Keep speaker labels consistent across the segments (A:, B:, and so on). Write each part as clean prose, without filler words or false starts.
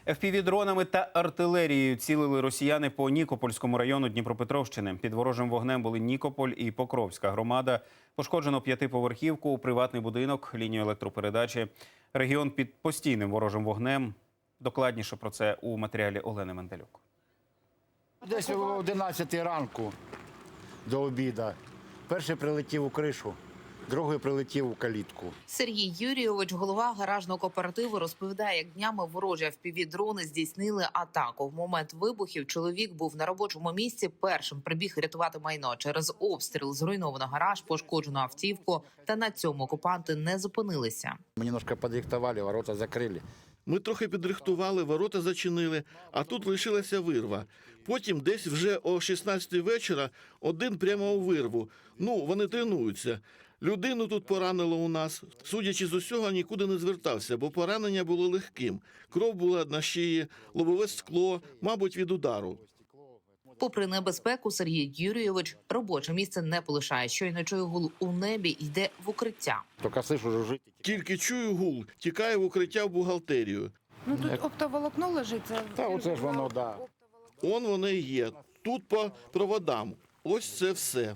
A: FPV-дронами та артилерією цілили росіяни по Нікопольському району Дніпропетровщини. Під ворожим вогнем були Нікополь і Покровська громада. Пошкоджено п'ятиповерхівку, приватний будинок, лінію електропередачі. Регіон під постійним ворожим вогнем. Докладніше про це у матеріалі Олени Менделюк.
B: Десь о 11 ранку до обіду. Перший прилетів у кришу, другий прилетів у калітку.
C: Сергій Юрійович, голова гаражного кооперативу, розповідає, як днями ворожі FPV-дрони здійснили атаку. В момент вибухів чоловік був на робочому місці, першим прибіг рятувати майно. Через обстріл зруйновано гараж, пошкоджено автівку, та на цьому окупанти не зупинилися.
B: Ми немножко підрихтували, ворота закрили.
D: Ми трохи підрихтували, ворота зачинили, а тут лишилася вирва. Потім десь вже о 16-й вечора один прямо у вирву. Вони тренуються. Людину тут поранило у нас. Судячи з усього, нікуди не звертався, бо поранення було легким. Кров була на шиї, лобове скло, мабуть, від удару.
C: Попри небезпеку, Сергій Юрійович робоче місце не полишає. Щойно чує гул у небі, йде в укриття.
B: Тільки слышу, жужжить.
D: Тільки чую гул, тікаю в укриття в бухгалтерію.
E: Тут оптоволокно лежить.
B: Та оце ж воно, да.
D: Он воно і є. Тут по проводам. Ось це все.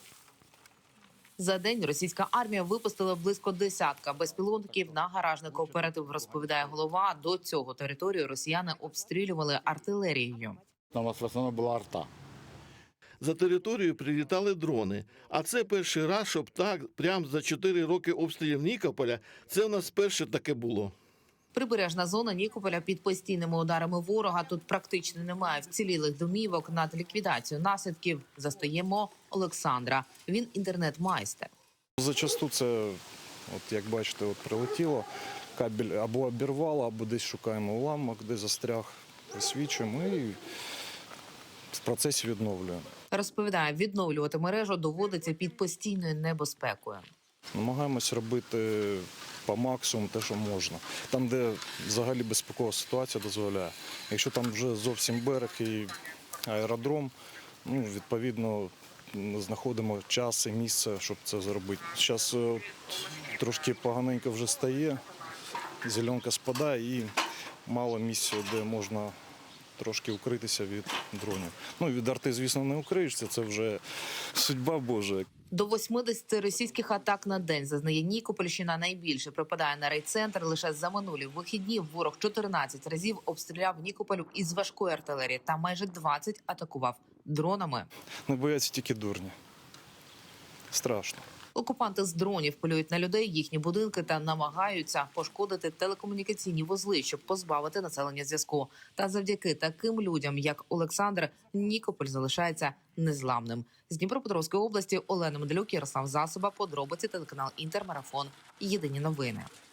C: За день російська армія випустила близько десятка безпілотників на гаражний кооператив, розповідає голова. До цього територію росіяни обстрілювали артилерією.
B: У нас в основному була арта.
D: За територію прилітали дрони. А це перший раз, щоб так, прямо за 4 роки обстрілів Нікополя, це у нас перше таке було.
C: Прибережна зона Нікополя під постійними ударами ворога. Тут практично немає вцілілих домівок. Над ліквідацією наслідків застаємо Олександра. Він інтернет-майстер.
F: Зачасту це, як бачите, прилетіло, кабель або обірвало, або десь шукаємо уламок, де застряг, висвічуємо і в процесі відновлюємо.
C: Розповідає, відновлювати мережу доводиться під постійною небезпекою.
F: Намагаємось робити по максимуму те, що можна. Там, де взагалі безпекова ситуація дозволяє. Якщо там вже зовсім берег і аеродром, відповідно, знаходимо час і місце, щоб це зробити. Зараз трошки поганенько вже стає, зеленка спадає і мало місця, де можна трошки укритися від дронів. Від арти, звісно, не укриєшся, це вже судьба Божа.
C: До 80 російських атак на день зазнає Нікопольщина. Найбільше припадає на райцентр. Лише за минулі вихідні ворог 14 разів обстріляв Нікополь із важкої артилерії та майже 20 атакував дронами.
F: Не бояться тільки дурні. Страшно.
C: Окупанти з дронів полюють на людей, їхні будинки та намагаються пошкодити телекомунікаційні вузли, щоб позбавити населення зв'язку. Та завдяки таким людям, як Олександр, Нікополь залишається незламним. З Дніпропетровської області Олена Менделюк, Ярослав Засоба, подробиці, телеканал Інтермарафон. Єдині новини.